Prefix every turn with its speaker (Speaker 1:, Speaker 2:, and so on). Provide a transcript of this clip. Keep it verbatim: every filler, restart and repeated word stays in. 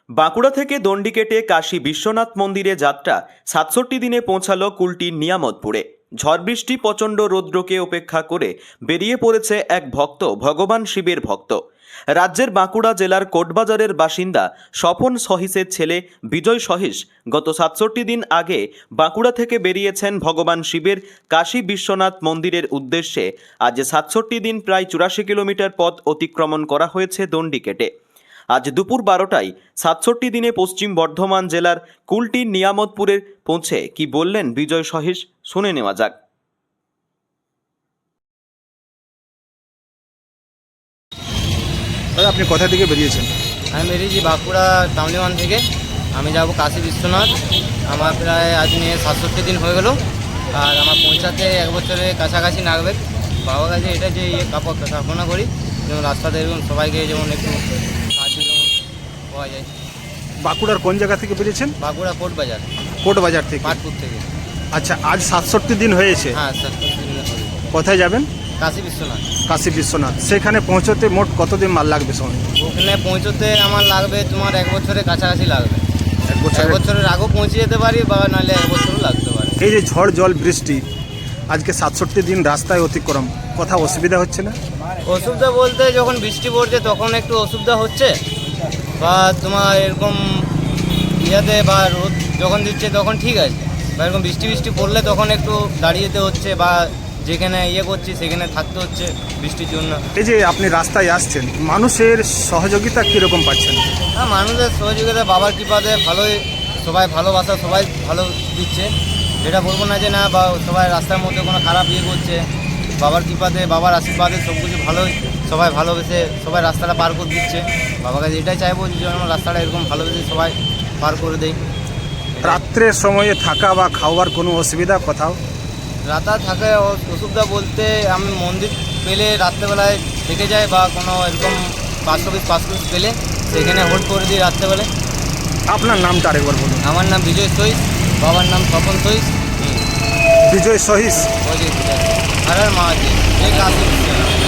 Speaker 1: বাঁকুড়া থেকে দণ্ডি কেটে কাশী বিশ্বনাথ মন্দিরে যাত্রা সাতষট্টি দিনে পৌঁছালো কুলটির নিয়ামতপুরে। ঝড় বৃষ্টি প্রচণ্ড রৌদ্রকে উপেক্ষা করে বেরিয়ে পড়েছে এক ভক্ত, ভগবান শিবের ভক্ত। রাজ্যের বাঁকুড়া জেলার কোটবাজারের বাসিন্দা স্বপন সহিসের ছেলে বিজয় সহিস গত সাতষট্টি দিন আগে বাঁকুড়া থেকে বেরিয়েছেন ভগবান শিবের কাশী বিশ্বনাথ মন্দিরের উদ্দেশ্যে। আজ সাতষট্টি দিন প্রায় চুরাশি কিলোমিটার পথ অতিক্রমণ করা হয়েছে দণ্ডি কেটে। আজ দুপুর বারোটায় সাতষট্টি দিনে পশ্চিম বর্ধমান জেলার কুলটির নিয়ামতপুরে পৌঁছে কি বললেন বিজয় সহিস, শুনে নেওয়া যাক।
Speaker 2: দাদা, আপনি কোথা থেকে বেরিয়েছেন?
Speaker 3: আমি বেরিয়েছি বাঁকুড়া টাউনিওয়ান থেকে। আমি যাব কাশী বিশ্বনাথ। আমার প্রায় আজ নিয়ে সাতষট্টি দিন হয়ে গেল, আর আমার পৌঁছাতে এক বছরের কাছাকাছি লাগবে। বাবার কাছে এটা যে ইয়ে কাপড় কাপনা করি, যেমন রাস্তাতে এরকম সবাইকে যেমন একটু সাহায্য যেমন পাওয়া যায়।
Speaker 2: বাঁকুড়ার কোন জায়গা থেকে বেরিয়েছেন?
Speaker 3: বাঁকুড়া কোট বাজার,
Speaker 2: কোট বাজার থেকে।
Speaker 3: পাটপুর থেকে।
Speaker 2: আচ্ছা, আজ সাতষট্টি দিন হয়েছে।
Speaker 3: হ্যাঁ, সাতষট্টি দিন হবে।
Speaker 2: কোথায় যাবেন?
Speaker 3: কাশী বিশ্বনাথ।
Speaker 2: কাশী বিশ্বনাথ। সেখানে পৌঁছতে মোট কতদিন মাল লাগবে সময়?
Speaker 3: ওখানে পৌঁছতে আমার লাগবে তোমার এক বছরের কাছাকাছি লাগবে।
Speaker 2: এক বছর।
Speaker 3: এক বছরের আগেও পৌঁছে যেতে পারি, বা নাহলে এক বছরও লাগতে পারে।
Speaker 2: এই যে ঝড় জল বৃষ্টি, আজকে সাতষট্টি দিন রাস্তায় অতিক্রম, কোথাও অসুবিধা হচ্ছে না?
Speaker 3: অসুবিধা বলতে যখন বৃষ্টি পড়ছে তখন একটু অসুবিধা হচ্ছে, বা তোমার এরকম ইয়াতে বা রোদ যখন দিচ্ছে তখন ঠিক আছে, বা এরকম বৃষ্টি বৃষ্টি পড়লে তখন একটু দাঁড়িয়ে যেতে হচ্ছে, বা যেখানে ইয়ে করছি সেখানে থাকতে হচ্ছে বৃষ্টির জন্য।
Speaker 2: এই যে আপনি রাস্তায় আসছেন, মানুষের সহযোগিতা কীরকম পাচ্ছেন?
Speaker 3: হ্যাঁ, মানুষের সহযোগিতা বাবার কৃপাতে ভালোই, সবাই ভালোবাসা সবাই ভালো দিচ্ছে। যেটা বলবো না যে না, বা সবাই রাস্তার মধ্যে কোনো খারাপ ইয়ে করছে, বাবার কৃপাতে বাবার আশীর্বাদে সব কিছু ভালোই, সবাই ভালোবেসে সবাই রাস্তাটা পার করে দিচ্ছে। বাবার কাছে এটাই চাইবো যে যেন রাস্তাটা এরকম ভালোবেসে সবাই পার করে দেয়।
Speaker 2: রাত্রের সময়ে থাকা বা খাওয়ার কোনো অসুবিধা কোথাও?
Speaker 3: রাতা থাকে অসুবিধা বলতে আমি মন্দির পেলে রাত্রেবেলায় থেকে যাই, বা কোনো এরকম পাঁচ পিস পাঁচ পিস পেলে সেখানে হোল্ড করে দিই রাত্রেবেলায়।
Speaker 2: আপনার নামটা আরেকবার বলুন।
Speaker 3: আমার নাম বিজয় সহিস, বাবার নাম স্বপন সহিস।
Speaker 2: বিজয় সহিস।
Speaker 3: ওই যে আর আর মা আছে, এই কাশী বিশ্বনাথ।